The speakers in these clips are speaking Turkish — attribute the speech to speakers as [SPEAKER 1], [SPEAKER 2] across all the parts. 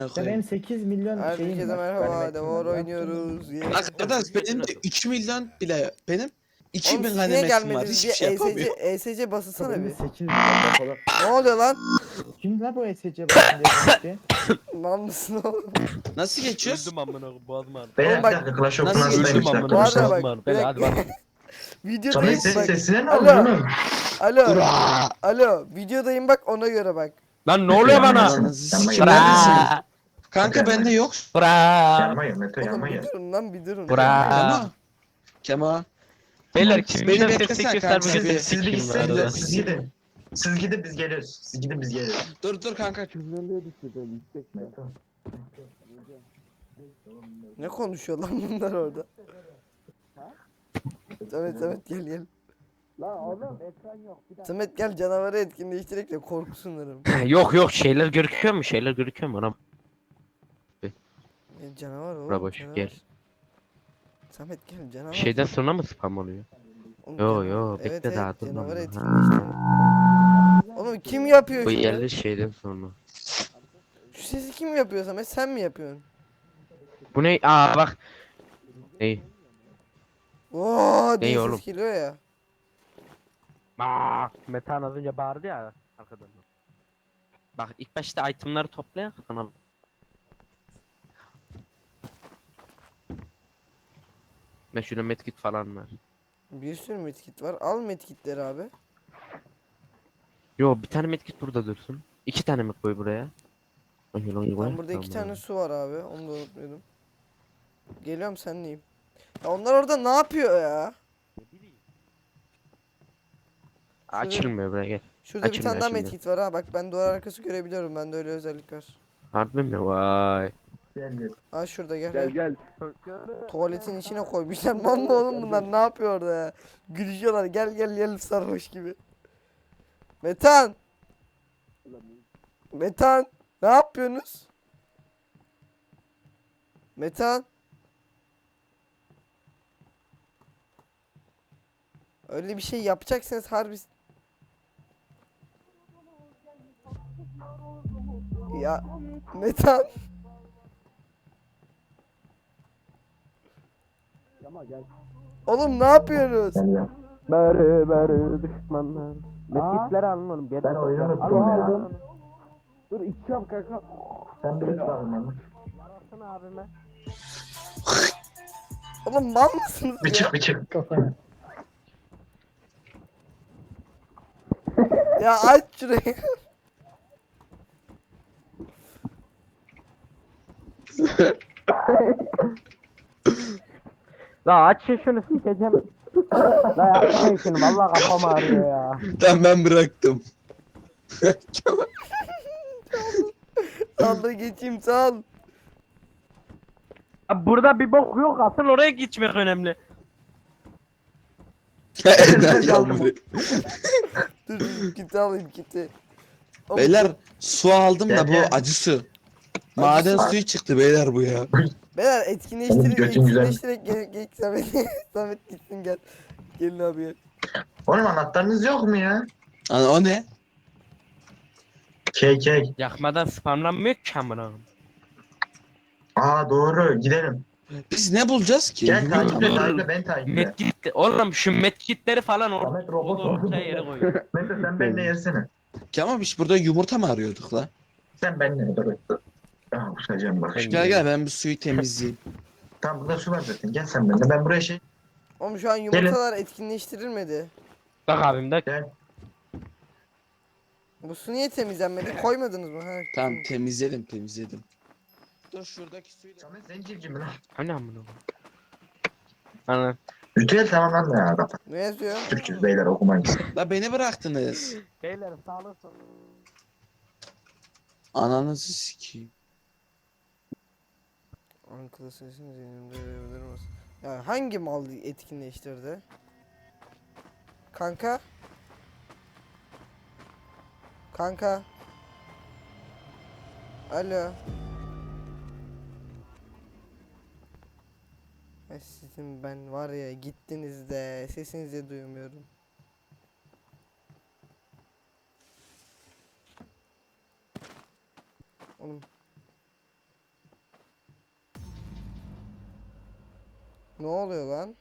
[SPEAKER 1] İşte benim 8 milyon şeyim
[SPEAKER 2] Herkese
[SPEAKER 1] var.
[SPEAKER 2] merhaba,
[SPEAKER 1] ganimetim
[SPEAKER 2] Devar
[SPEAKER 1] var.
[SPEAKER 2] oynuyoruz.
[SPEAKER 3] Arkadaş benim de 3 milyon bile benim
[SPEAKER 2] Oğlum
[SPEAKER 3] 2000
[SPEAKER 2] siz niye
[SPEAKER 3] ganimetim var.
[SPEAKER 2] gelmediniz?
[SPEAKER 3] Hiçbir
[SPEAKER 2] Bir
[SPEAKER 3] şey
[SPEAKER 2] ESC,
[SPEAKER 3] yapamıyorum.
[SPEAKER 2] ESC basılsana
[SPEAKER 1] Benim de
[SPEAKER 2] bir.
[SPEAKER 1] 8 milyon depoda.
[SPEAKER 2] Ne oluyor lan?
[SPEAKER 1] Kim lan bu ESC basın diye konuşuyor?
[SPEAKER 2] Mal mısın oğlum?
[SPEAKER 3] Nasıl geçiyoruz?
[SPEAKER 4] Öldüm amına koyayım, boğazım ağrıdı.
[SPEAKER 2] Oğlum
[SPEAKER 5] Beyler
[SPEAKER 2] bak-
[SPEAKER 5] bir dakika Clash of
[SPEAKER 3] Nasıl
[SPEAKER 5] Clans'dayım
[SPEAKER 3] geçiyorum
[SPEAKER 5] 2 dakika
[SPEAKER 4] amına
[SPEAKER 2] Bu
[SPEAKER 5] bir
[SPEAKER 2] arada
[SPEAKER 5] şey.
[SPEAKER 4] koyayım,
[SPEAKER 2] bak,
[SPEAKER 4] boğazım ağrıdı.
[SPEAKER 2] bir
[SPEAKER 4] Beyler hadi
[SPEAKER 2] dakika.
[SPEAKER 4] bak.
[SPEAKER 2] Videodayım
[SPEAKER 5] Samet
[SPEAKER 2] bak.
[SPEAKER 5] sesine ne
[SPEAKER 2] Alo.
[SPEAKER 5] oluyor oğlum?
[SPEAKER 2] Alo.
[SPEAKER 3] Bra!
[SPEAKER 2] Alo. Videodayım bak, ona göre bak.
[SPEAKER 4] Lan ne oluyor bana?
[SPEAKER 3] Ananızı
[SPEAKER 5] Yanma
[SPEAKER 3] sikim
[SPEAKER 5] gel.
[SPEAKER 3] neredesin?
[SPEAKER 4] Bra.
[SPEAKER 3] Kanka bende yok.
[SPEAKER 4] Bra.
[SPEAKER 5] Yanma gel Mete
[SPEAKER 2] Oğlum
[SPEAKER 5] yanma
[SPEAKER 2] bir
[SPEAKER 5] gel.
[SPEAKER 2] durun lan, bir durun.
[SPEAKER 4] Bra.
[SPEAKER 3] Kema. Kema.
[SPEAKER 4] Beyler kim
[SPEAKER 3] Beni
[SPEAKER 4] bize
[SPEAKER 3] beklesene
[SPEAKER 4] seslik göster
[SPEAKER 3] kanka,
[SPEAKER 4] bugün
[SPEAKER 3] bir-
[SPEAKER 4] seslik
[SPEAKER 5] Siz bir
[SPEAKER 4] kim
[SPEAKER 5] gitsenize
[SPEAKER 4] arada?
[SPEAKER 5] siz gidin. Siz gidin biz geliyoruz. Siz gidin biz geliyoruz.
[SPEAKER 3] Dur kanka.
[SPEAKER 5] Mete.
[SPEAKER 2] Ne konuşuyor lan bunlar orada? Samet gel gel.
[SPEAKER 1] Lan oğlum ekran yok. Bir dakika.
[SPEAKER 2] Samet gel, canavarı etkinleştirerek de korkusunlarım.
[SPEAKER 4] Yok şeyler gözüküyor mu? Şeyler gözüküyor mu? Anam.
[SPEAKER 2] Canavar oğlum.
[SPEAKER 4] Bura boş,
[SPEAKER 2] canavar.
[SPEAKER 4] gel.
[SPEAKER 2] Samet gel, canavar.
[SPEAKER 4] Şeyden sonra mı spam oluyor?
[SPEAKER 2] Oğlum,
[SPEAKER 4] Yo
[SPEAKER 2] canavar.
[SPEAKER 4] yo
[SPEAKER 2] Evet,
[SPEAKER 4] bekle
[SPEAKER 2] evet,
[SPEAKER 4] daha dur
[SPEAKER 2] canavarı
[SPEAKER 4] lan.
[SPEAKER 2] etkinleştirelim. Oğlum kim yapıyor
[SPEAKER 4] Bu
[SPEAKER 2] şunu?
[SPEAKER 4] yerli şeyden sonra.
[SPEAKER 2] Şu sesi kim yapıyor Samet? Sen mi yapıyorsun?
[SPEAKER 4] Bu ne? Aa bak. Ney?
[SPEAKER 2] Oo diye
[SPEAKER 4] oğlum?
[SPEAKER 2] ses geliyor ya.
[SPEAKER 4] Bak. Metan az önce bağırdı ya arkadan. Bak ilk başta itemları toplayak sonra. Ben şurada medkit falan var.
[SPEAKER 2] Bir sürü medkit var. Al medkitleri abi.
[SPEAKER 4] Yo bir tane medkit burada dursun. 2 tane mi koy buraya?
[SPEAKER 2] Ben burada 2 tane su var abi. Onu da unutmuyordum. Geliyorum, senleyim. Ya onlar orada ne yapıyor ya?
[SPEAKER 4] Açılmıyor buraya gel.
[SPEAKER 2] Şurada bir
[SPEAKER 4] Açıldı,
[SPEAKER 2] tane daha
[SPEAKER 4] açıldı.
[SPEAKER 2] medkit var ha. Bak ben duvar arkası görebiliyorum. Bende öyle özellik var.
[SPEAKER 4] Harbi mi? Vay.
[SPEAKER 5] Gel gel.
[SPEAKER 2] Ha şurada gel.
[SPEAKER 4] gel.
[SPEAKER 2] Tuvaletin içine koymuşlar. Mal mı oğlum bunlar? Ne yapıyor orada ya? Gülüşüyorlar. Gel gel gel, sarhoş gibi. Metan. Metan. Ne yapıyorsunuz? Metan. Öyle bir şey yapacaksınız harbi. Ya Metan. Oğlum ne yapıyorsunuz?
[SPEAKER 5] Gel gel.
[SPEAKER 4] Beri düşmanlar. Medkitleri alın oğlum.
[SPEAKER 5] Ben oyunu unuttum ya.
[SPEAKER 1] Dur içiyorum kanka.
[SPEAKER 5] Sen bir bakın lan.
[SPEAKER 4] abime.
[SPEAKER 2] Oğlum mal mısınız
[SPEAKER 5] Bir
[SPEAKER 2] ya?
[SPEAKER 5] çık bir çık.
[SPEAKER 1] Kafana.
[SPEAKER 2] Ya aç şurayı.
[SPEAKER 4] La aç şunu sikeceğim. La yapmayın şunu valla kafam ağrıyor ya.
[SPEAKER 3] Tamam ben bıraktım.
[SPEAKER 2] Sal da geçeyim, sal.
[SPEAKER 4] Abi burada bir bok yok asıl oraya geçmek önemli.
[SPEAKER 3] Ender yağmuru.
[SPEAKER 2] Dur kiti alayım, kiti. Oğlum,
[SPEAKER 3] Beyler su aldım da bu
[SPEAKER 5] Gel.
[SPEAKER 3] acı su. Maden
[SPEAKER 2] Acı su.
[SPEAKER 3] suyu çıktı beyler bu ya.
[SPEAKER 2] Beyler
[SPEAKER 5] Oğlum,
[SPEAKER 2] etkinleştirerek
[SPEAKER 5] götün güzel.
[SPEAKER 2] gel Samet. Samet gitsin gel. Gelin abi gel.
[SPEAKER 5] Oğlum anahtarınız yok mu ya?
[SPEAKER 3] Ana o ne?
[SPEAKER 5] Key.
[SPEAKER 4] Yakmadan spamlanmıyor ki amına.
[SPEAKER 5] Aa doğru gidelim.
[SPEAKER 3] Biz ne bulacağız ki?
[SPEAKER 5] Gel
[SPEAKER 3] Yumurta
[SPEAKER 5] takiple
[SPEAKER 3] mı?
[SPEAKER 5] takiple ben takiple.
[SPEAKER 4] Medkit oğlum şu medkitleri falan
[SPEAKER 5] Ahmet robot
[SPEAKER 4] ortaya yere koy.
[SPEAKER 5] Mete sen benimle yesene.
[SPEAKER 3] Kemal biz burada yumurta mı arıyorduk la?
[SPEAKER 5] Sen benimle dur. Ah kusacağım bak.
[SPEAKER 4] Ben-
[SPEAKER 3] Gel gel ben bu suyu temizleyeyim.
[SPEAKER 5] Tamam burada su var zaten. Gel sen benimle. Ben buraya
[SPEAKER 2] Oğlum şu an yumurtalar etkinleştirilmedi.
[SPEAKER 4] Bak abim de.
[SPEAKER 5] Gel.
[SPEAKER 2] Bu su niye temizlenmedi? Koymadınız mı? Ha,
[SPEAKER 3] Tamam temizledim. Dur şuradaki suyu da...
[SPEAKER 5] Samet sen civciv mi lan?
[SPEAKER 4] Hani amına. Ana.
[SPEAKER 5] Ritüel tamamlandı ya kapat.
[SPEAKER 2] Ne yazıyor?
[SPEAKER 5] Türkçüz beyler okumayız.
[SPEAKER 3] La beni bıraktınız.
[SPEAKER 4] Beyler sağlık olsun.
[SPEAKER 3] Ananızı sikeyim.
[SPEAKER 2] Ankara sesini zihnimde verebilir misin? Ya hangi mal etkinleştirdi? Kanka? Kanka? Alo? Ay sizin ben var ya, gittiniz de sesinizi duymuyorum. Oğlum Ne oluyor lan?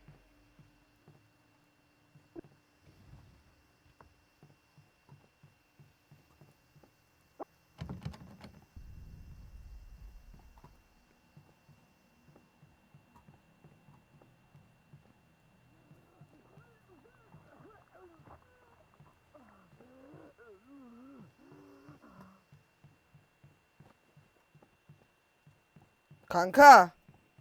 [SPEAKER 2] Kanka.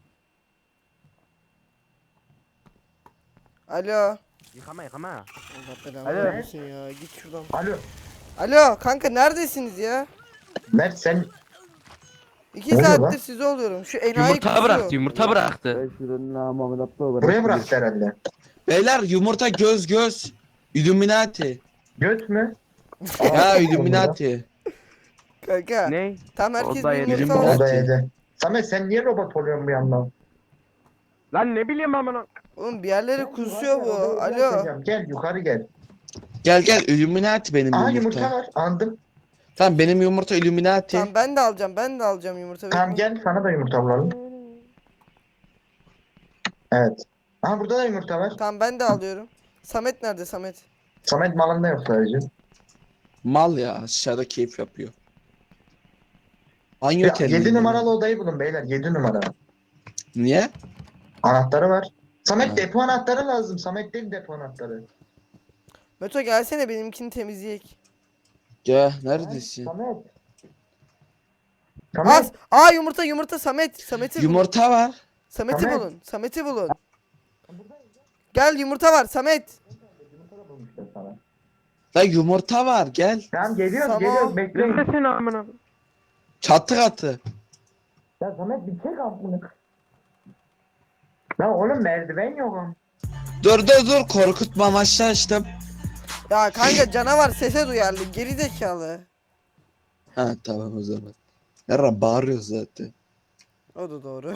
[SPEAKER 2] Alo.
[SPEAKER 4] Yıkama yıkama.
[SPEAKER 2] Allah belanı
[SPEAKER 4] Alo.
[SPEAKER 2] vermesin ya. Git şuradan.
[SPEAKER 5] Alo.
[SPEAKER 2] Alo kanka neredesiniz ya?
[SPEAKER 5] Mert sen
[SPEAKER 2] 2
[SPEAKER 5] Ne oluyor
[SPEAKER 2] saattir
[SPEAKER 5] lan?
[SPEAKER 2] sizi oluyorum. Şu enayi
[SPEAKER 4] Yumurta
[SPEAKER 2] kusuyor.
[SPEAKER 4] bıraktı yumurta bıraktı.
[SPEAKER 5] buraya bıraktı herhalde.
[SPEAKER 3] Beyler yumurta göz. Illuminati.
[SPEAKER 5] Göt mü?
[SPEAKER 3] Ya Illuminati.
[SPEAKER 2] Kanka.
[SPEAKER 4] Ne?
[SPEAKER 2] Tam herkes
[SPEAKER 4] Oda
[SPEAKER 2] bir
[SPEAKER 4] yedi.
[SPEAKER 2] yumurta
[SPEAKER 3] Yirmi-
[SPEAKER 2] var.
[SPEAKER 5] O da yedi. Samet sen niye robot oluyorsun bir yandan?
[SPEAKER 4] Lan ne bileyim amına.
[SPEAKER 2] Oğlum bir yerlere kusuyor bu. Alo.
[SPEAKER 5] Gel yukarı gel.
[SPEAKER 3] Gel Illuminati benim
[SPEAKER 5] Aa
[SPEAKER 3] yumurta.
[SPEAKER 5] yumurta var. Andım.
[SPEAKER 3] Tamam benim yumurta Illuminati.
[SPEAKER 2] Tamam ben de alacağım. Ben de alacağım yumurta.
[SPEAKER 5] Tamam
[SPEAKER 2] bekle.
[SPEAKER 5] gel sana da yumurta bulalım. Evet. Aha burada da yumurta var.
[SPEAKER 2] Tamam ben de alıyorum. Samet nerede Samet?
[SPEAKER 5] Samet malında yok sadece.
[SPEAKER 3] Mal ya aşağıda keyif yapıyor. Banyo
[SPEAKER 5] Ya,
[SPEAKER 3] terliği
[SPEAKER 5] 7
[SPEAKER 3] mi?
[SPEAKER 5] numaralı odayı bulun beyler. 7 numara.
[SPEAKER 3] Niye?
[SPEAKER 5] Anahtarı var. Samet
[SPEAKER 3] Ha.
[SPEAKER 5] depo anahtarı lazım. Samet değil depo anahtarı.
[SPEAKER 2] Meto gelsene benimkini temizleyek.
[SPEAKER 3] Ya neredesin?
[SPEAKER 5] Samet.
[SPEAKER 2] Az. Aa yumurta Samet. Samet'i bulun.
[SPEAKER 3] Yumurta var.
[SPEAKER 2] Samet'i
[SPEAKER 5] Samet.
[SPEAKER 2] bulun. Samet'i bulun. Gel yumurta var Samet.
[SPEAKER 5] Yumurta bulmuşlar sana.
[SPEAKER 3] La yumurta var gel.
[SPEAKER 5] Tamam geliyoruz
[SPEAKER 2] Tamam.
[SPEAKER 5] geliyoruz bekleyin.
[SPEAKER 4] Neredesin amına?
[SPEAKER 3] Çatı katı.
[SPEAKER 5] Ya Samet bir çek aklını. Ya oğlum merdiven yok ama.
[SPEAKER 3] Dur korkutma amaçlı açtım.
[SPEAKER 2] Ya kanka canavar sese duyarlı. Geri zekalı.
[SPEAKER 3] Ha tamam o zaman. Nerede bağırıyor zaten.
[SPEAKER 2] O da doğru.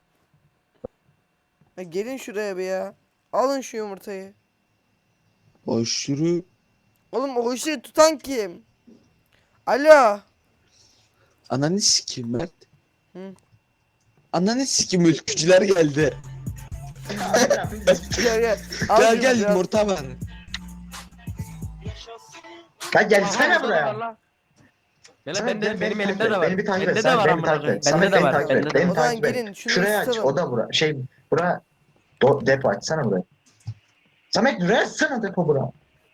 [SPEAKER 2] Ya gelin şuraya bir ya. Alın şu yumurtayı.
[SPEAKER 3] Boş yürü.
[SPEAKER 2] Oğlum o ışığı tutan kim? Alo.
[SPEAKER 3] Ananı sikeyim Mert.
[SPEAKER 2] Hı.
[SPEAKER 3] Ananı sikeyim ülkücüler geldi.
[SPEAKER 2] Gel. Al
[SPEAKER 3] Gel
[SPEAKER 2] şunu
[SPEAKER 3] gel
[SPEAKER 2] biraz.
[SPEAKER 3] yumurta var.
[SPEAKER 5] Ya gelsene
[SPEAKER 4] Aha, orada da var
[SPEAKER 5] buraya.
[SPEAKER 4] lan. Beyler
[SPEAKER 5] Samet,
[SPEAKER 4] bende
[SPEAKER 5] gel,
[SPEAKER 4] benim
[SPEAKER 5] beni
[SPEAKER 4] elimde
[SPEAKER 5] takip
[SPEAKER 4] de
[SPEAKER 5] et,
[SPEAKER 4] var.
[SPEAKER 5] Beni bir takip
[SPEAKER 4] Bende
[SPEAKER 5] et.
[SPEAKER 4] de
[SPEAKER 5] Samet
[SPEAKER 4] var
[SPEAKER 5] beni
[SPEAKER 4] amına
[SPEAKER 5] takip
[SPEAKER 4] koyayım.
[SPEAKER 5] et.
[SPEAKER 4] Bende
[SPEAKER 5] Samet
[SPEAKER 4] de
[SPEAKER 5] beni
[SPEAKER 4] var.
[SPEAKER 5] takip
[SPEAKER 4] Bende
[SPEAKER 5] et.
[SPEAKER 4] de
[SPEAKER 5] Beni
[SPEAKER 2] O zaman
[SPEAKER 5] takip et.
[SPEAKER 2] gelin şunu
[SPEAKER 5] Şurayı aç.
[SPEAKER 2] ısıtalım.
[SPEAKER 5] O da bura. Bura. Depo açsana burayı. Samet buraya açsana depo bura.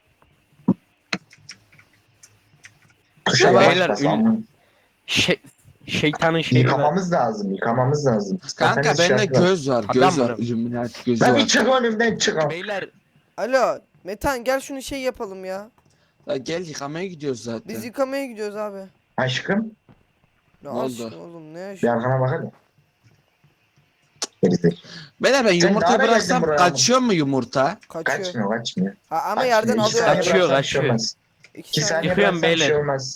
[SPEAKER 5] Tuşa
[SPEAKER 3] Beyler,
[SPEAKER 5] yavaş
[SPEAKER 4] beyler,
[SPEAKER 5] bas ama.
[SPEAKER 4] Şeytanın şeyi var.
[SPEAKER 5] Yıkamamız lazım. Yıkamamız lazım.
[SPEAKER 3] Kanka
[SPEAKER 5] Satanist
[SPEAKER 3] bende
[SPEAKER 5] şarkı var.
[SPEAKER 3] göz var.
[SPEAKER 4] Adam
[SPEAKER 3] Göz var.
[SPEAKER 4] mı?
[SPEAKER 3] Illuminati gözü
[SPEAKER 5] Lan bir
[SPEAKER 3] var.
[SPEAKER 5] çık önümden çık. Al.
[SPEAKER 4] Beyler
[SPEAKER 2] Alo. Metan gel şunu şey yapalım ya.
[SPEAKER 3] Ya gel yıkamaya gidiyoruz zaten.
[SPEAKER 2] Biz yıkamaya gidiyoruz abi.
[SPEAKER 5] Aşkım.
[SPEAKER 2] Ne
[SPEAKER 3] Ne oldu?
[SPEAKER 2] aşkım oğlum ne
[SPEAKER 5] Bir
[SPEAKER 2] aşkım.
[SPEAKER 5] arkana bak hadi. Gerizek.
[SPEAKER 3] Beyler ben
[SPEAKER 5] Sen
[SPEAKER 3] yumurtayı
[SPEAKER 5] ne ara
[SPEAKER 3] bıraksam
[SPEAKER 5] geldin buraya
[SPEAKER 3] kaçıyor mu yumurta?
[SPEAKER 2] Kaçıyor.
[SPEAKER 5] Kaçmıyor.
[SPEAKER 2] Ha, ama
[SPEAKER 5] Kaçmıyor.
[SPEAKER 2] yerden
[SPEAKER 5] İki
[SPEAKER 2] alıyor.
[SPEAKER 5] saniye
[SPEAKER 4] Kaçıyor,
[SPEAKER 5] bıraksan bir şey
[SPEAKER 4] kaçıyor.
[SPEAKER 5] olmaz.
[SPEAKER 2] 2
[SPEAKER 5] 2
[SPEAKER 2] saniye.
[SPEAKER 5] saniye
[SPEAKER 4] Yıkıyorum
[SPEAKER 5] bıraksan bir şey
[SPEAKER 4] beyler.
[SPEAKER 5] olmaz.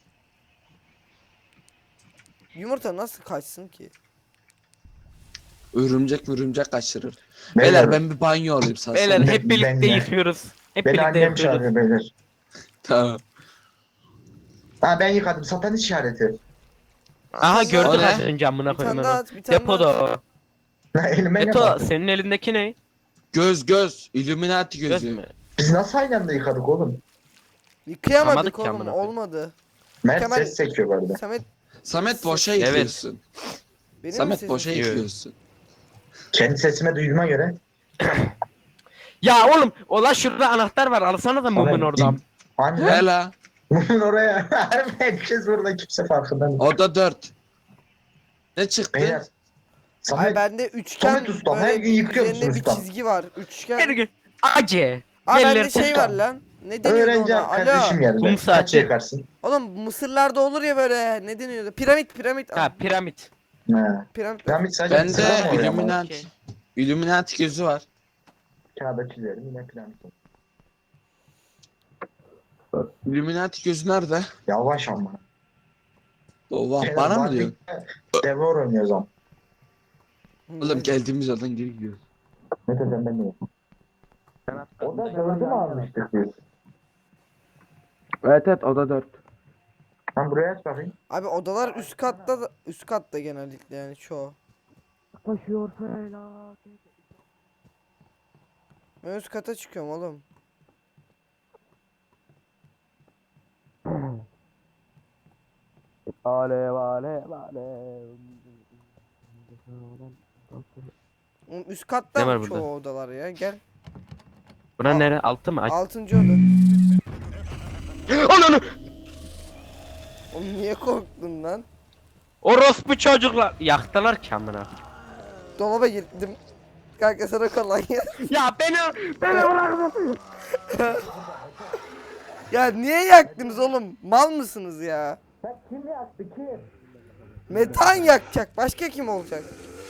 [SPEAKER 2] Yumurta nasıl kaçsın ki?
[SPEAKER 3] Örümcek kaçırır. Beyler ben bir banyo alayım sana.
[SPEAKER 4] beyler
[SPEAKER 5] Ben-
[SPEAKER 4] hep birlikte
[SPEAKER 5] ben de.
[SPEAKER 4] yıkıyoruz. Hep
[SPEAKER 5] Beni
[SPEAKER 4] birlikte
[SPEAKER 5] annem
[SPEAKER 4] yıkıyoruz.
[SPEAKER 5] çağırıyor beyler.
[SPEAKER 3] Tamam.
[SPEAKER 5] Ha ben yıkadım. Satan işareti.
[SPEAKER 4] Aha gördüm
[SPEAKER 3] O ne?
[SPEAKER 4] az önce amına
[SPEAKER 2] Bir
[SPEAKER 4] koyayım
[SPEAKER 2] tane daha
[SPEAKER 4] onu.
[SPEAKER 2] at, bir tane daha
[SPEAKER 4] Depoda
[SPEAKER 2] at.
[SPEAKER 4] o.
[SPEAKER 5] Elime ne
[SPEAKER 4] Beto
[SPEAKER 5] baktın?
[SPEAKER 4] senin elindeki ne?
[SPEAKER 3] Göz. Illuminati
[SPEAKER 4] Göz
[SPEAKER 3] gözü.
[SPEAKER 4] mü?
[SPEAKER 5] Biz nasıl aynı anda yıkadık oğlum?
[SPEAKER 2] Yıkayamadık
[SPEAKER 4] Yıkamadık ki
[SPEAKER 2] oğlum
[SPEAKER 4] amına koyayım.
[SPEAKER 2] olmadı.
[SPEAKER 5] Mert
[SPEAKER 2] Kemal-
[SPEAKER 5] ses çekiyor bu arada.
[SPEAKER 2] Samet
[SPEAKER 3] Samet boşa
[SPEAKER 4] Evet.
[SPEAKER 3] yıkıyorsun.
[SPEAKER 2] benim mi
[SPEAKER 3] Samet
[SPEAKER 2] sesim?
[SPEAKER 3] boşa
[SPEAKER 4] Evet.
[SPEAKER 3] yıkıyorsun.
[SPEAKER 5] Kendi sesime duyduğuma göre.
[SPEAKER 4] Ya oğlum ola şurada anahtar var alsana da mumun
[SPEAKER 5] Samet,
[SPEAKER 4] oradan.
[SPEAKER 5] Hani
[SPEAKER 3] He la.
[SPEAKER 5] Mumun oraya. Herkes burada kimse farkında değil.
[SPEAKER 3] Oda 4. Ne çıktı?
[SPEAKER 5] Beyler.
[SPEAKER 2] Ay
[SPEAKER 5] Samet,
[SPEAKER 2] bende üçgen
[SPEAKER 5] Samet ustam, her
[SPEAKER 2] böyle
[SPEAKER 5] gün yıkıyor
[SPEAKER 2] üzerinde
[SPEAKER 5] musun
[SPEAKER 2] bir
[SPEAKER 5] ustam?
[SPEAKER 2] çizgi var. Üçgen.
[SPEAKER 4] Gel gel. Ace.
[SPEAKER 2] Aa
[SPEAKER 4] Yerler
[SPEAKER 2] bende şey
[SPEAKER 4] ustam.
[SPEAKER 2] var lan. Ne deniyordu
[SPEAKER 5] öğrenci
[SPEAKER 2] ona?
[SPEAKER 5] kardeşim
[SPEAKER 2] Alo.
[SPEAKER 5] geldi.
[SPEAKER 4] Kum
[SPEAKER 5] Kaç
[SPEAKER 4] saati.
[SPEAKER 5] yıkarsın?
[SPEAKER 2] Oğlum Mısırlarda olur ya böyle. Ne deniyordu? Piramit.
[SPEAKER 4] Ha piramit.
[SPEAKER 5] Ha.
[SPEAKER 2] Piramit.
[SPEAKER 5] Piramit sadece
[SPEAKER 3] Bende
[SPEAKER 5] sıra mı oluyor ama?
[SPEAKER 3] Illuminati.
[SPEAKER 4] Okey.
[SPEAKER 3] Illuminati gözü var.
[SPEAKER 5] Kağıda çizerim yine piramit.
[SPEAKER 3] Illuminati gözü nerede?
[SPEAKER 5] Yavaş ama.
[SPEAKER 3] Oha
[SPEAKER 5] Beyler,
[SPEAKER 3] bana mı
[SPEAKER 5] Barbie-
[SPEAKER 3] diyorsun?
[SPEAKER 5] Devor oynuyoruz ama.
[SPEAKER 3] Oğlum geldiğimiz yerden geri gidiyoruz.
[SPEAKER 5] Ne dedim ben de. O da 4'ü mü almıştık biz?
[SPEAKER 3] Evet oda 4.
[SPEAKER 5] Ben buraya aç bakayım.
[SPEAKER 2] Abi odalar üst katta genellikle yani çoğu. Ben üst kata çıkıyorum oğlum.
[SPEAKER 4] Alev alev alev.
[SPEAKER 2] Oğlum üst katta
[SPEAKER 4] Ne var
[SPEAKER 2] mı
[SPEAKER 4] burada?
[SPEAKER 2] çoğu odalar ya? Gel.
[SPEAKER 4] Bura nere? Altı mı? Aç.
[SPEAKER 2] 6. oda.
[SPEAKER 4] Ananı!
[SPEAKER 2] Oğlum niye korktun lan?
[SPEAKER 4] Orospu çocuklar. Yaktılar ki amına.
[SPEAKER 2] Dolaba girdim. Kanka sana kolay ya.
[SPEAKER 4] Ya beni bırakın.
[SPEAKER 2] Ya niye yaktınız oğlum? Mal mısınız ya?
[SPEAKER 1] Kim yaktı kim?
[SPEAKER 2] Metan yakacak. Başka kim olacak?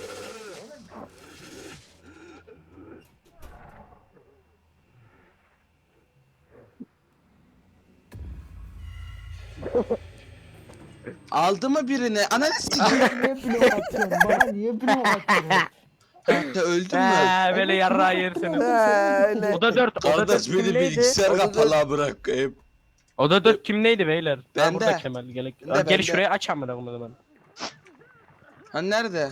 [SPEAKER 3] Aldı mı birini? Ananı sikeyim.
[SPEAKER 1] Niye blok atıyorsun? Bana niye blok atıyorsun?
[SPEAKER 3] Kanka öldün mü?
[SPEAKER 4] He böyle yarrağı yersiniz.
[SPEAKER 2] Öyle.
[SPEAKER 4] Oda 4. Oda 4
[SPEAKER 3] Kardeş beni
[SPEAKER 4] kimdeydi?
[SPEAKER 3] bilgisayar
[SPEAKER 2] Orada
[SPEAKER 3] kapalı bırakayım.
[SPEAKER 4] Oda 4 kimdeydi beyler?
[SPEAKER 3] Bende.
[SPEAKER 4] Burada Kemal. Gel,
[SPEAKER 3] Bende,
[SPEAKER 4] gel
[SPEAKER 3] bende.
[SPEAKER 4] şuraya aç amına koyayım ben.
[SPEAKER 3] Ha nerede?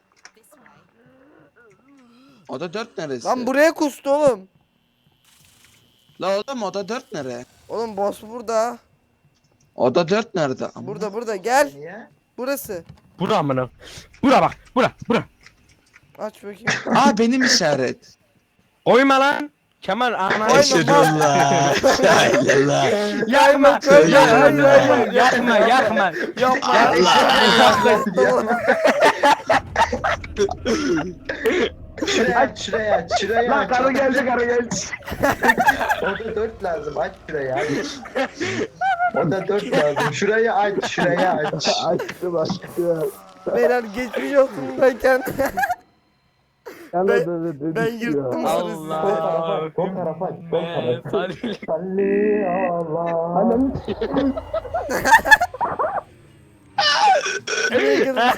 [SPEAKER 3] Oda 4 neresi?
[SPEAKER 2] Lan buraya kustu oğlum.
[SPEAKER 3] La oğlum oda 4 nere?
[SPEAKER 2] Oğlum boss burada.
[SPEAKER 3] Oda 4 nerede?
[SPEAKER 2] Burada gel.
[SPEAKER 5] Niye?
[SPEAKER 2] Burası.
[SPEAKER 4] Bura amına. Bura bak. Bura.
[SPEAKER 2] Aç bakayım.
[SPEAKER 3] Aa benim işaret.
[SPEAKER 4] Koyma lan. Kemal ana.
[SPEAKER 3] Eşhedullah. La ilahe.
[SPEAKER 4] Yakma.
[SPEAKER 2] Hayır, hayır, hayır.
[SPEAKER 4] Yakma. Yakma.
[SPEAKER 2] Yapma.
[SPEAKER 5] Şuraya aç.
[SPEAKER 1] Karı geldi karı geldi.
[SPEAKER 5] Oda 4 lazım, aç şurayı aç. Oda 4 lazım, şurayı aç.
[SPEAKER 1] Açtım açtım.
[SPEAKER 2] Beyler geçmiş olsun ben kendim. Ben yırttım sırası.
[SPEAKER 4] Allah.
[SPEAKER 5] Sol tarafa aç, sol tarafa.
[SPEAKER 4] Salli.
[SPEAKER 5] Salli Allah. Anam.
[SPEAKER 2] Nereye kadar?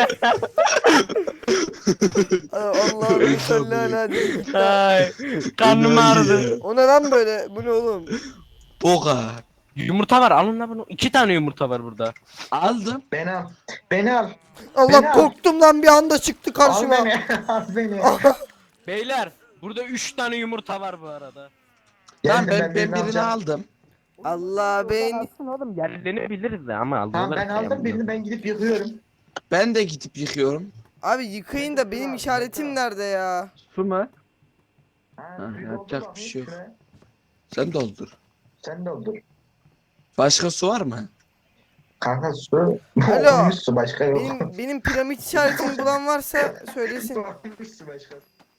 [SPEAKER 2] Allah'ım salli ala diye.
[SPEAKER 4] Ay. Karnım ağrıdı.
[SPEAKER 2] O ne lan böyle? Bu ne oğlum?
[SPEAKER 3] Boga.
[SPEAKER 4] Yumurta var. Alın lan bunu. 2 tane yumurta var burada.
[SPEAKER 3] Aldım.
[SPEAKER 5] Beni al. Beni al.
[SPEAKER 2] Allah
[SPEAKER 5] Beni al.
[SPEAKER 2] korktum lan bir anda çıktı
[SPEAKER 5] Al
[SPEAKER 2] karşıma.
[SPEAKER 5] beni. Al beni.
[SPEAKER 4] Beyler. Burada 3 tane yumurta var bu arada.
[SPEAKER 3] Lan
[SPEAKER 5] Geldim,
[SPEAKER 3] ben birini
[SPEAKER 5] alacağım.
[SPEAKER 3] aldım.
[SPEAKER 2] Allah beni.
[SPEAKER 4] Alsın oğlum. Yerlerini biliriz de ama aldılar.
[SPEAKER 5] Tamam ben aldım birini, ben gidip yıkıyorum.
[SPEAKER 3] Ben de gidip yıkıyorum.
[SPEAKER 2] Abi yıkayın da benim işaretim nerede ya?
[SPEAKER 4] Su mu?
[SPEAKER 5] Ha,
[SPEAKER 3] Ha,
[SPEAKER 5] suyu
[SPEAKER 3] yapacak
[SPEAKER 5] doldur
[SPEAKER 3] bir şey yok.
[SPEAKER 5] şuraya.
[SPEAKER 3] Sen doldur.
[SPEAKER 5] Sen doldur.
[SPEAKER 3] Başka su var mı?
[SPEAKER 5] Kanka su.
[SPEAKER 2] Alo.
[SPEAKER 5] Olmuş su başka yok.
[SPEAKER 2] Benim piramit işaretimi bulan varsa söylesin.
[SPEAKER 5] Olmuş su başka.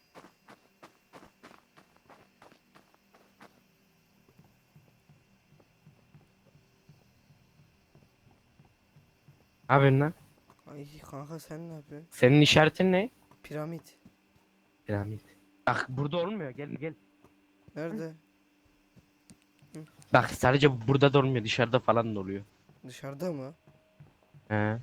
[SPEAKER 4] Abi lan.
[SPEAKER 2] Ay kanka sen ne yapıyorsun?
[SPEAKER 4] Senin işaretin ne?
[SPEAKER 2] Piramit.
[SPEAKER 4] Piramit. Bak burada olmuyor. Gel.
[SPEAKER 2] Nerede?
[SPEAKER 4] Bak sadece burada da olmuyor. Dışarıda falan da oluyor.
[SPEAKER 2] Dışarıda mı?
[SPEAKER 4] He.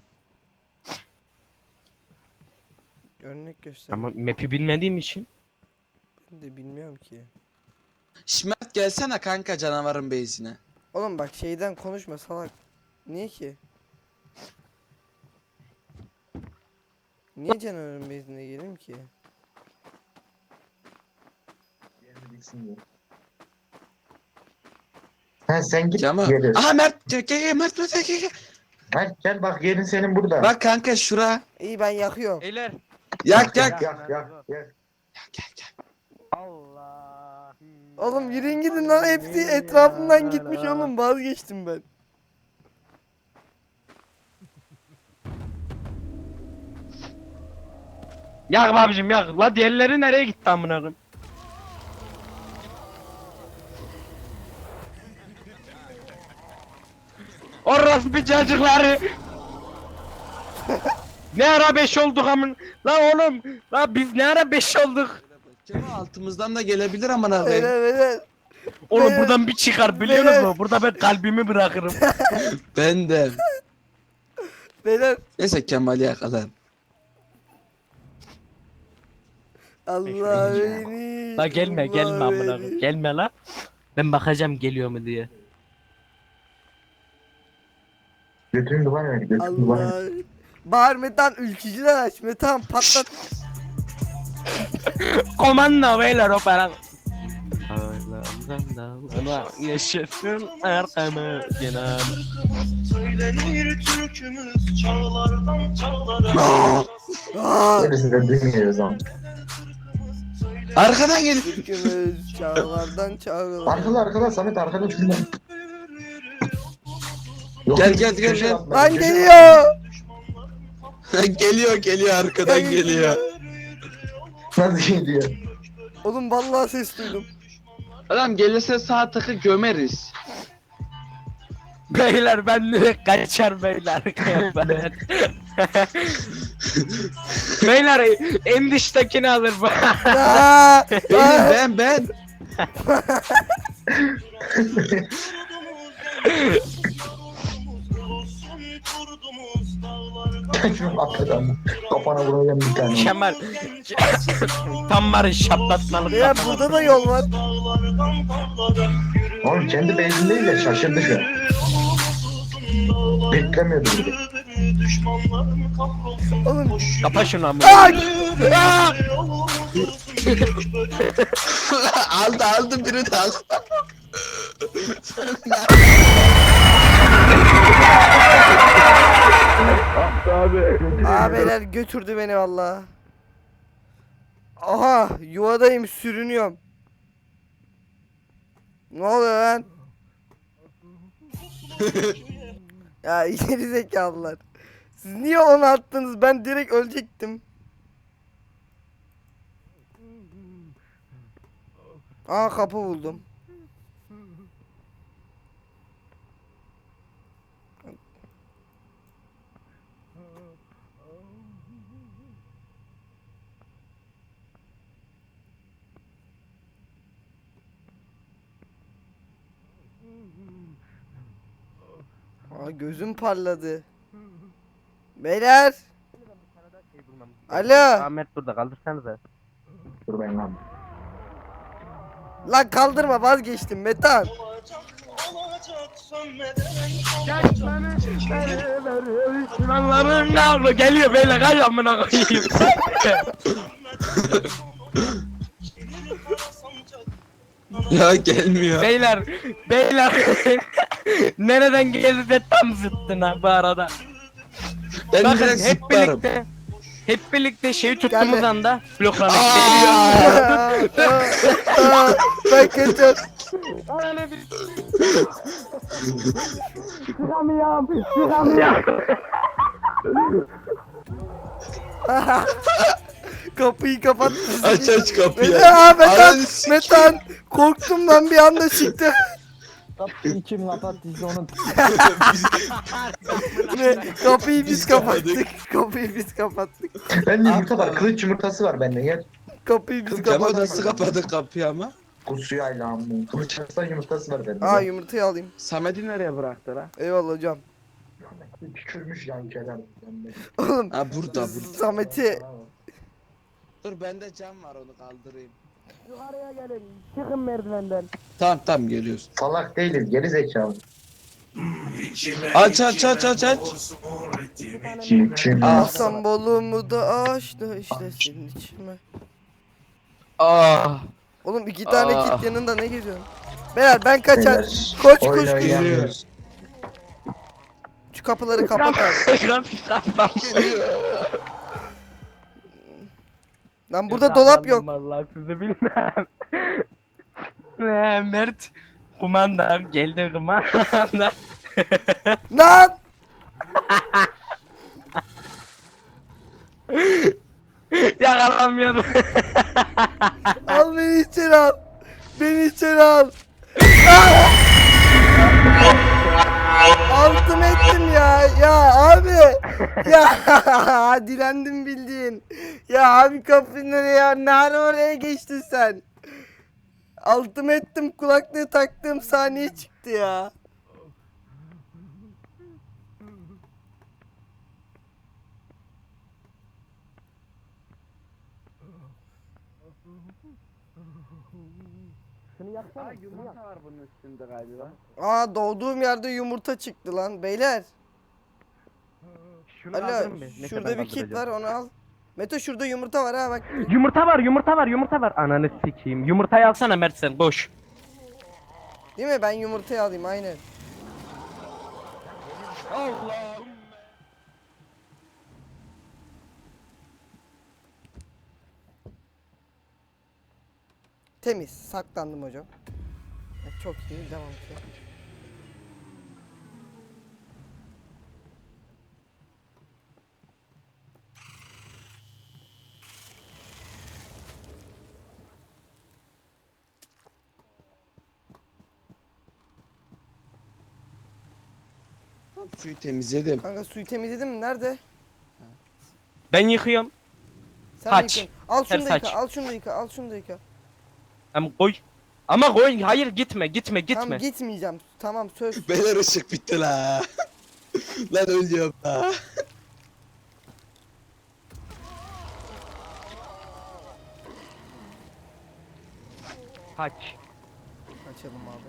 [SPEAKER 2] Örnek göster.
[SPEAKER 4] Ama map'i bilmediğim için.
[SPEAKER 2] Ben de bilmiyorum ki.
[SPEAKER 3] Şmert gelsene kanka canavarın base'ine.
[SPEAKER 2] Oğlum bak şeyden konuşma salak. Niye ki? Niye canavarın bezine geleyim ki?
[SPEAKER 5] Ha sen git
[SPEAKER 3] Cama.
[SPEAKER 5] gel.
[SPEAKER 3] Aha Mert gel Mert gel.
[SPEAKER 5] Gel bak yerin senin burada.
[SPEAKER 3] Bak kanka şura.
[SPEAKER 2] İyi ben yakıyorum.
[SPEAKER 4] Beyler.
[SPEAKER 3] Yak
[SPEAKER 5] yak
[SPEAKER 3] yak.
[SPEAKER 5] yak.
[SPEAKER 3] Gel.
[SPEAKER 4] Allah.
[SPEAKER 2] Oğlum yürüyün gidin lan hepsi etrafından gitmiş oğlum vazgeçtim ben.
[SPEAKER 4] Yak babacım yak. La diğerleri nereye gitti amına koyayım? Orospu çocukları. Ne ara 5 olduk amın? La oğlum, la biz ne ara 5 olduk?
[SPEAKER 3] Cema altımızdan da gelebilir amına
[SPEAKER 2] Beyler
[SPEAKER 3] koyayım.
[SPEAKER 2] beyler.
[SPEAKER 4] Oğlum
[SPEAKER 2] Beyler.
[SPEAKER 4] buradan bir çıkar biliyor
[SPEAKER 2] Beyler.
[SPEAKER 4] musun? Burada ben kalbimi bırakırım.
[SPEAKER 3] Ben de.
[SPEAKER 2] Beyler.
[SPEAKER 3] Neyse Kemal'i yakalar.
[SPEAKER 2] Allah beni.
[SPEAKER 4] La gelme
[SPEAKER 2] Allah
[SPEAKER 4] gelme amına
[SPEAKER 2] beni.
[SPEAKER 4] koyayım. Gelme la. Ben bakacağım geliyor mu diye.
[SPEAKER 5] Götürün duvar ver. Götürün duvar ver.
[SPEAKER 2] Allah. Bağır Metan ülkücüler aç Metan patlat.
[SPEAKER 4] Komando beyler o falan. Dağlara yaşasın arkamı genel.
[SPEAKER 6] Söylenir türkümüz çağlardan çağlara.
[SPEAKER 5] Gerisi de bilmiyoruz ama.
[SPEAKER 3] Arkadan gel.
[SPEAKER 2] Türkümüz çağlardan çağlara.
[SPEAKER 5] Arkada Samet arkada şundan.
[SPEAKER 3] Gel, gel, gel, gel.
[SPEAKER 2] Lan geliyor.
[SPEAKER 3] Geliyor arkadan geliyor.
[SPEAKER 5] Nasıl gidiyor?
[SPEAKER 2] Oğlum vallahi ses duydum.
[SPEAKER 3] Adam gelirse sağ tıkı gömeriz.
[SPEAKER 4] Beyler ben direkt kaçar beyler. Beyler en dıştakini alır bu.
[SPEAKER 2] Aa,
[SPEAKER 3] Ben.
[SPEAKER 5] Şunu arkadan. Kafana vuracağım bir tane.
[SPEAKER 4] Kemal. Tam var şaplatmalık.
[SPEAKER 2] ya burada da yol var.
[SPEAKER 5] Oğlum kendi benzin değil de şaşırdı şu an. Beklemiyordu bir de.
[SPEAKER 2] Oğlum.
[SPEAKER 4] Kapa şunu ama.
[SPEAKER 2] Ay!
[SPEAKER 3] aldı biri de aldı.
[SPEAKER 2] Aa beyler götürdü beni valla. Aha yuvadayım sürünüyorum. Ne oluyor lan? Ya geri zekalılar. Siz niye onu attınız? Ben direkt ölecektim. Aa kapı buldum. Aa gözüm parladı. Beyler. Alo.
[SPEAKER 4] Ahmet burada kaldırsanıza.
[SPEAKER 5] Dur ben lan.
[SPEAKER 2] Lan kaldırma vazgeçtim Metan.
[SPEAKER 4] Şuranların ne oldu? Geliyor beyler kay amına koyayım.
[SPEAKER 3] Ya gelmiyor.
[SPEAKER 4] beyler. Nereden geldi de tam zıttına bu arada.
[SPEAKER 3] Ben
[SPEAKER 4] Bakın
[SPEAKER 3] direkt
[SPEAKER 4] hep
[SPEAKER 3] zıplarım.
[SPEAKER 4] birlikte şeyi tuttuğumuz
[SPEAKER 2] Geldi.
[SPEAKER 4] anda bloklandık.
[SPEAKER 2] Ben kaçar. Kapıyı kapat.
[SPEAKER 3] Aç kapıyı.
[SPEAKER 2] Aa, Metan,
[SPEAKER 3] Ananı s-
[SPEAKER 2] Metan. Korktum lan bir anda çıktı.
[SPEAKER 1] Kapıyı kim kapattıysa onu
[SPEAKER 2] Ne? Kapıyı biz
[SPEAKER 3] Biz
[SPEAKER 2] kapattık. Kapıyı biz kapattık.
[SPEAKER 5] Bende yumurta var. Kılıç yumurtası var bende. Gel.
[SPEAKER 2] Kapıyı biz
[SPEAKER 3] Kemal
[SPEAKER 2] kapattık.
[SPEAKER 3] nasıl kapadı kapıyı ama?
[SPEAKER 5] Kusuyayla amma. Kılıç yumurtası var bende.
[SPEAKER 2] Aa yumurtayı alayım.
[SPEAKER 3] Samet'i nereye bıraktı lan?
[SPEAKER 2] Eyvallah hocam.
[SPEAKER 5] Tükürmüş yan kenar.
[SPEAKER 2] Oğlum
[SPEAKER 3] Ha burada.
[SPEAKER 2] Samet'i
[SPEAKER 3] Dur bende cam var onu kaldırayım.
[SPEAKER 4] Yukarıya gelin. Çıkın merdivenden.
[SPEAKER 3] Tamam geliyoruz.
[SPEAKER 5] Salak değiliz. Geri zekalı.
[SPEAKER 3] Aç.
[SPEAKER 5] Kim?
[SPEAKER 2] alsam bolumu da açtı işte senin için mi?
[SPEAKER 4] Ah.
[SPEAKER 2] Oğlum 2 tane
[SPEAKER 4] Aa.
[SPEAKER 2] kit yanında ne geziyorsun? Beyler ben kaçar.
[SPEAKER 5] Beyler,
[SPEAKER 2] Koş
[SPEAKER 5] oyun
[SPEAKER 2] koş koş.
[SPEAKER 5] oynayamıyoruz.
[SPEAKER 2] Şu kapıları kapat abi. Lan burada dolap yok.
[SPEAKER 4] Vallahi sizi bilmem. Mert kumandan geldi kumandan.
[SPEAKER 2] Lan!
[SPEAKER 4] Yakalamıyorum.
[SPEAKER 2] Al beni içeri al. Beni içeri al. Ah! Altım ettim ya. Ya abi. Ya dilendim bildiğin. Ya abi kapıyı nereye ya? Nerede oraya geçtin sen? Altım ettim kulaklığı taktığım saniye çıktı ya.
[SPEAKER 3] Yumurta var bunun üstünde galiba.
[SPEAKER 2] Aa doğduğum yerde yumurta çıktı lan beyler.
[SPEAKER 4] Şunu
[SPEAKER 2] Alo
[SPEAKER 4] kaldırın bir. Neyse,
[SPEAKER 2] şurada
[SPEAKER 4] ben
[SPEAKER 2] bir kit
[SPEAKER 4] kaldıracağım.
[SPEAKER 2] var onu al. Meto şurada yumurta var ha bak.
[SPEAKER 4] Yumurta var. Ananı sikeyim. Yumurtayı alsana Mert sen koş.
[SPEAKER 2] Değil mi? Ben yumurtayı alayım aynen.
[SPEAKER 4] Allah'ım.
[SPEAKER 2] Temiz. Saklandım hocam. Çok iyi. Devam ki.
[SPEAKER 3] Suyu temizledim.
[SPEAKER 2] Kanka suyu temizledin mi? Nerede?
[SPEAKER 4] Ben yıkıyorum.
[SPEAKER 2] Sen
[SPEAKER 4] Saç.
[SPEAKER 2] yıkayın. Al şunu
[SPEAKER 4] Her
[SPEAKER 2] da yıka.
[SPEAKER 4] saç.
[SPEAKER 2] Al şunu da yıka. Al şunu da yıka.
[SPEAKER 4] Ama koy. Ama koy. Hayır gitme gitme
[SPEAKER 2] Tamam
[SPEAKER 4] gitme.
[SPEAKER 2] gitmeyeceğim. Tamam söz.
[SPEAKER 3] Beyler ışık bitti la. Lan ölüyorum la.
[SPEAKER 4] Kaç.
[SPEAKER 2] Açalım abi.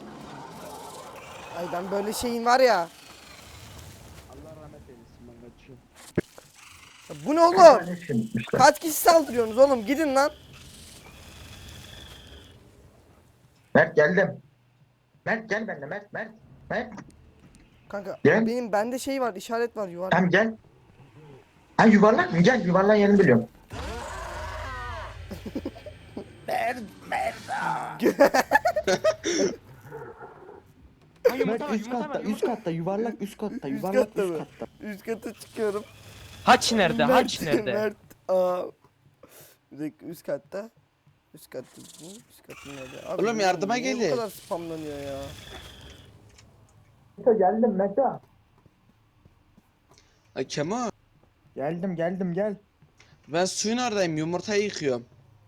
[SPEAKER 2] Ay ben böyle şeyin var ya.
[SPEAKER 3] Allah rahmet eylesin ben kaçıyorum.
[SPEAKER 2] Ya bu ne oğlum?
[SPEAKER 5] Ne şey gitmişler.
[SPEAKER 2] Kaç kişi saldırıyorsunuz oğlum? Gidin lan.
[SPEAKER 5] Mert geldim. Mert gel benimle Mert. Mert.
[SPEAKER 2] Kanka
[SPEAKER 5] Gel.
[SPEAKER 2] benim bende şey var, işaret var yuvarlak.
[SPEAKER 5] Tamam gel. Ha yuvarlak mı? Gel yuvarlağın yerini biliyorum.
[SPEAKER 1] Mert üst katta, üst katta, yuvarlak üst katta,
[SPEAKER 2] Üst
[SPEAKER 1] yuvarlak
[SPEAKER 2] katta
[SPEAKER 1] üst
[SPEAKER 2] mı?
[SPEAKER 1] katta.
[SPEAKER 2] Üst kata çıkıyorum.
[SPEAKER 4] Haç nerede? Haç nerede?
[SPEAKER 2] Mert. Aa. Bir dakika üst katta. Üst katta. Üst katta nerede? Abi,
[SPEAKER 3] Oğlum yardıma
[SPEAKER 2] niye
[SPEAKER 3] gelin.
[SPEAKER 2] bu kadar spamlanıyor ya?
[SPEAKER 5] Geldim Meta.
[SPEAKER 3] Ay Kemal.
[SPEAKER 1] Geldim geldim gel.
[SPEAKER 3] Ben suyun oradayım. Yumurtayı yıkıyorum.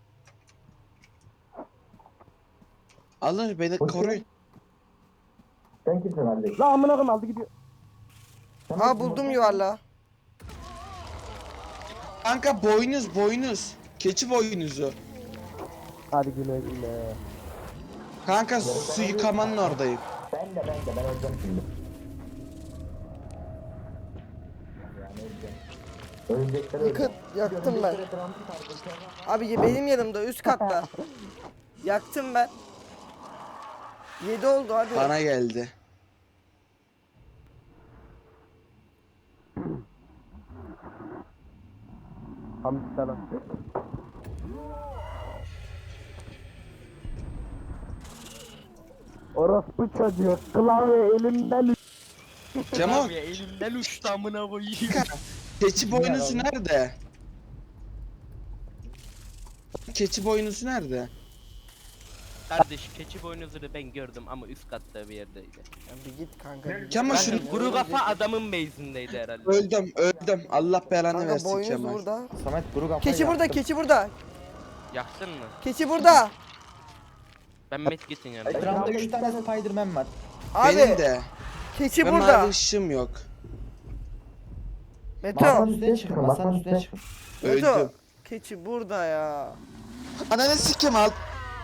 [SPEAKER 3] Alın beni koruyun.
[SPEAKER 5] Sen kimsin abi?
[SPEAKER 1] La amına koyayım aldı gidiyor.
[SPEAKER 2] Aa buldum yuvarlağı.
[SPEAKER 3] Kanka boynuz. Keçi boynuzu.
[SPEAKER 1] Hadi güle güle.
[SPEAKER 3] Kanka su yıkamanın oradayım.
[SPEAKER 5] Ben de ben öleceğim şimdi. Ölecekler
[SPEAKER 2] Yaktım ben. Abi benim yanımda üst katta. Yaktım ben. 7 oldu hadi.
[SPEAKER 3] Bana geldi.
[SPEAKER 1] Hamdi selam. Orospu çocuğu klavye elimden
[SPEAKER 3] Kemal
[SPEAKER 4] Abi elimden uçtu amına koyayım.
[SPEAKER 3] keçi boynuzu nerede? Keçi boynuzu nerede?
[SPEAKER 4] Kardeş keçi boynuzunu ben gördüm ama üst katta bir yerdeydi.
[SPEAKER 2] Ya bir git kanka.
[SPEAKER 3] Kemal
[SPEAKER 4] Ben
[SPEAKER 3] şunu
[SPEAKER 4] kuru kafa adamın base'indeydi herhalde.
[SPEAKER 3] öldüm. Allah belanı
[SPEAKER 2] Kanka
[SPEAKER 3] versin
[SPEAKER 2] boynuz
[SPEAKER 3] Kemal.
[SPEAKER 2] burada.
[SPEAKER 1] Samet kuru kafayı
[SPEAKER 2] Keçi burada,
[SPEAKER 1] yaktım.
[SPEAKER 2] keçi burada.
[SPEAKER 4] Yaktın mı?
[SPEAKER 2] Keçi burada.
[SPEAKER 4] Ben Medkit'in yanındayım.
[SPEAKER 1] Etrafında 3 tane Spiderman var.
[SPEAKER 3] Benim
[SPEAKER 2] Abi
[SPEAKER 3] de.
[SPEAKER 2] keçi
[SPEAKER 3] Ve
[SPEAKER 2] burada.
[SPEAKER 3] mavi ışığım yok.
[SPEAKER 2] Meto.
[SPEAKER 1] Masanın üstüne çıkın, masanın üstüne çıkın.
[SPEAKER 3] Öldüm.
[SPEAKER 2] Meto. Keçi burada ya.
[SPEAKER 3] Ananı sikim al.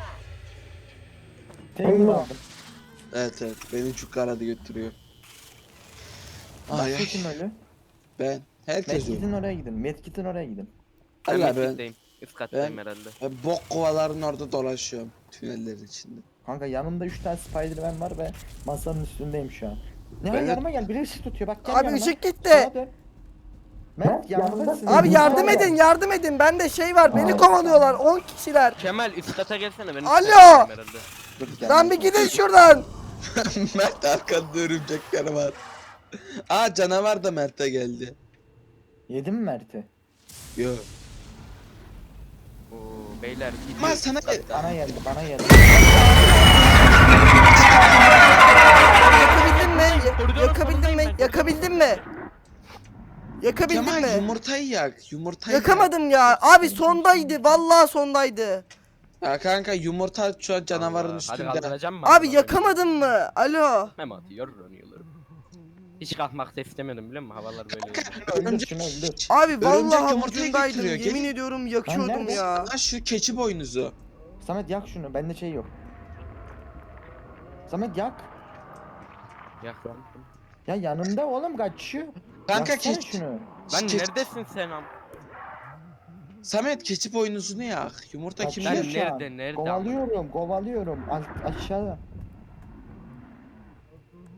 [SPEAKER 1] Tek mi aldım?
[SPEAKER 3] Evet beni çok aradı götürüyor. Ay
[SPEAKER 1] Başka
[SPEAKER 3] ay
[SPEAKER 1] kim ölü?
[SPEAKER 3] ben. Herkes öldü.
[SPEAKER 1] Medkit'in oraya gidin, Medkit'in oraya gidin.
[SPEAKER 4] Ben
[SPEAKER 3] Allah ben,
[SPEAKER 4] Medkit'teyim. Üst kattayım herhalde.
[SPEAKER 3] ben bok kovaların orada dolaşıyorum. Tünellerin içinde.
[SPEAKER 1] Kanka yanımda 3 tane Spiderman var ve masanın üstündeyim şu an. Ne
[SPEAKER 3] Ben de-
[SPEAKER 1] yanıma gel, biri ışık tutuyor bak gel
[SPEAKER 2] Abi
[SPEAKER 1] yanıma.
[SPEAKER 2] ışık gitti.
[SPEAKER 1] Sağa dön. Mert yanındasın.
[SPEAKER 2] Abi yardım edin, yardım edin. Bende şey var. Beni kovalıyorlar. 10 kişiler.
[SPEAKER 4] Kemal üst kata gelsene ben üst
[SPEAKER 2] Alo!
[SPEAKER 4] kattayım herhalde.
[SPEAKER 1] Dur, gel.
[SPEAKER 2] Lan bir gidin şuradan.
[SPEAKER 3] Mert arkanda örümcekler var. Aa canavar da Mert'e geldi.
[SPEAKER 1] Yedin mi Mert'i?
[SPEAKER 3] Yo.
[SPEAKER 4] Oo beyler gidiyor.
[SPEAKER 3] Ama sana
[SPEAKER 4] üst katta.
[SPEAKER 1] Bana geldi, bana geldi.
[SPEAKER 2] Yakabildin mi?
[SPEAKER 4] Koridorun
[SPEAKER 2] Yakabildin mi?
[SPEAKER 4] sonundayım ben.
[SPEAKER 2] Yakabildin mi? Yakabildin
[SPEAKER 3] Kemal
[SPEAKER 2] mi?
[SPEAKER 3] yumurtayı yak. Yumurtayı yak.
[SPEAKER 2] Yakamadım ya. Abi sondaydı. Vallahi sondaydı.
[SPEAKER 3] Ya kanka yumurta şu an canavarın
[SPEAKER 4] Hadi
[SPEAKER 3] üstünde.
[SPEAKER 4] kaldıracağım mı?
[SPEAKER 2] Abi yakamadın mı? Alo.
[SPEAKER 4] Mem atıyor oynuyorlar. Hiç kalkmak da istemedim biliyor musun? Havalar böyle.
[SPEAKER 1] Öldür şunu öldür.
[SPEAKER 2] Abi
[SPEAKER 3] Örümcek
[SPEAKER 2] vallahi
[SPEAKER 3] yumurtayı
[SPEAKER 2] ucundaydım.
[SPEAKER 3] getiriyor,
[SPEAKER 2] Yemin
[SPEAKER 3] gel.
[SPEAKER 2] ediyorum yakıyordum
[SPEAKER 1] nerede?
[SPEAKER 2] ya.
[SPEAKER 3] Lan şu keçi boynuzu.
[SPEAKER 1] Samet yak şunu, bende şey yok. Samet yak.
[SPEAKER 4] Yaktım.
[SPEAKER 1] Ya yanımda oğlum kaçıyor.
[SPEAKER 3] Kanka
[SPEAKER 1] Yaksana
[SPEAKER 3] keçi.
[SPEAKER 1] şunu.
[SPEAKER 4] Lan
[SPEAKER 3] Keçi-
[SPEAKER 4] neredesin sen am?
[SPEAKER 3] Samet keçi boynuzunu yak. Yumurta
[SPEAKER 1] Bak
[SPEAKER 3] kim
[SPEAKER 1] şu an.
[SPEAKER 3] yer?
[SPEAKER 4] nerede, nerede
[SPEAKER 1] Kovalıyorum. Aşağıda.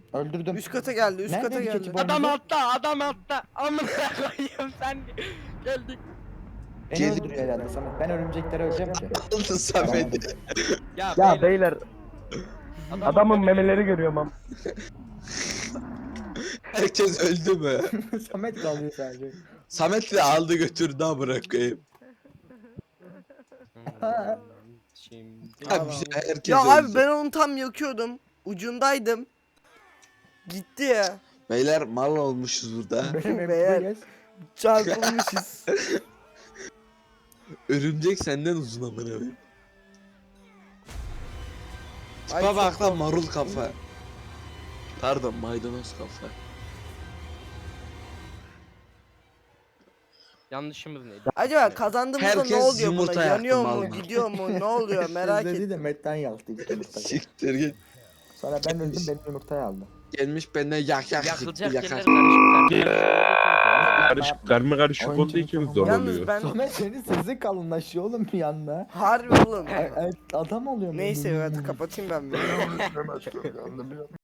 [SPEAKER 1] Öldürdüm.
[SPEAKER 2] Üst kata geldi, üst
[SPEAKER 1] Nerede
[SPEAKER 2] kata
[SPEAKER 1] bir
[SPEAKER 2] geldi.
[SPEAKER 1] keçi bu?
[SPEAKER 4] Adam altta, adam altta. Amına koyayım sen geldik.
[SPEAKER 1] Beni
[SPEAKER 3] Gel-
[SPEAKER 1] öldürüyor herhalde Samet. Ben örümceklere öleceğim ki.
[SPEAKER 3] Aldı Samet'i.
[SPEAKER 4] Ya,
[SPEAKER 7] Ya beyler
[SPEAKER 4] adam-
[SPEAKER 7] adamın memeleri görüyorum am.
[SPEAKER 3] Herkes öldü mü?
[SPEAKER 1] Samet kalıyor sadece.
[SPEAKER 3] Samet de aldı götürdü ha bırakayım.
[SPEAKER 4] Şimdi
[SPEAKER 3] Abi herkes
[SPEAKER 2] Ya
[SPEAKER 3] öldü.
[SPEAKER 2] abi ben onu tam yakıyordum. Ucundaydım. Gitti ya.
[SPEAKER 3] Beyler mal olmuşuz burada.
[SPEAKER 1] Benim
[SPEAKER 2] Beyler.
[SPEAKER 1] hep
[SPEAKER 2] Çarpılmışız.
[SPEAKER 3] Örümcek senden uzun amına koyayım.
[SPEAKER 2] Ay,
[SPEAKER 3] Tipe
[SPEAKER 2] çok
[SPEAKER 3] bak lan
[SPEAKER 2] korktum.
[SPEAKER 3] marul kafa. Pardon maydanoz kafa.
[SPEAKER 4] yanlışımız neydi?
[SPEAKER 2] Acaba kazandığımızda ne
[SPEAKER 3] Herkes
[SPEAKER 2] oluyor
[SPEAKER 3] yumurta
[SPEAKER 2] buna?
[SPEAKER 3] yaktı
[SPEAKER 2] Yanıyor mu?
[SPEAKER 3] vallahi.
[SPEAKER 2] Gidiyor mu? Ne oluyor? Merak
[SPEAKER 1] dedi
[SPEAKER 2] ettim.
[SPEAKER 1] de Metten yaktı ilk yumurtayı.
[SPEAKER 3] Siktir git.
[SPEAKER 1] Sonra ben öldüm benim yumurtayı aldı.
[SPEAKER 3] Gelmiş benden yak
[SPEAKER 4] Yakılacak
[SPEAKER 3] yakar.
[SPEAKER 4] yerler karışık.
[SPEAKER 8] Karışık, karma karışık
[SPEAKER 1] Oyuncu
[SPEAKER 8] olduğu için zor
[SPEAKER 2] Yalnız
[SPEAKER 8] oluyor.
[SPEAKER 2] ben
[SPEAKER 1] Samet senin sesin kalınlaşıyor oğlum bir anda.
[SPEAKER 2] harbi oğlum.
[SPEAKER 1] Adam oluyor.
[SPEAKER 2] Neyse hadi kapatayım ben.